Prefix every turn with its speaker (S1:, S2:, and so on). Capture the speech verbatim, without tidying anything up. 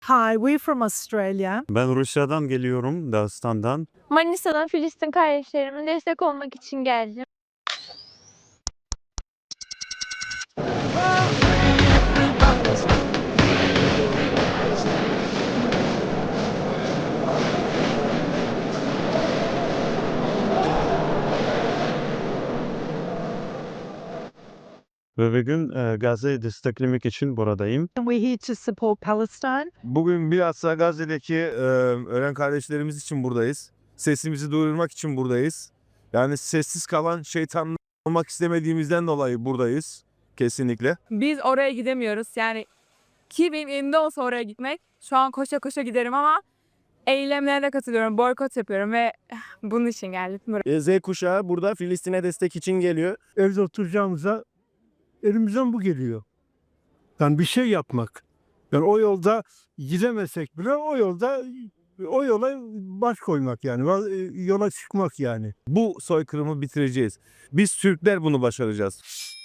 S1: Hi, we're from Australia.
S2: Ben Rusya'dan geliyorum, Dağıstan'dan.
S3: Manisa'dan Filistin kardeşlerime destek olmak için geldim.
S2: Ve bugün e, Gazze'yi desteklemek için buradayım.
S1: And we're here to support Palestine.
S4: Bugün bilhassa Gazze'deki e, ölen kardeşlerimiz için buradayız. Sesimizi duyurmak için buradayız. Yani sessiz kalan şeytanlar olmak istemediğimizden dolayı buradayız. Kesinlikle.
S5: Biz oraya gidemiyoruz. Yani ki benim elimde olsa oraya gitmek, şu an koşa koşa giderim ama eylemlere de katılıyorum, boykot yapıyorum ve bunun için geldim buraya.
S6: Z kuşağı burada Filistin'e destek için geliyor.
S7: Evde oturacağımıza elimizden bu geliyor. Yani bir şey yapmak. Yani o yolda gidemesek bile o yolda o yola baş koymak yani. Yola çıkmak yani.
S4: Bu soykırımı bitireceğiz. Biz Türkler bunu başaracağız.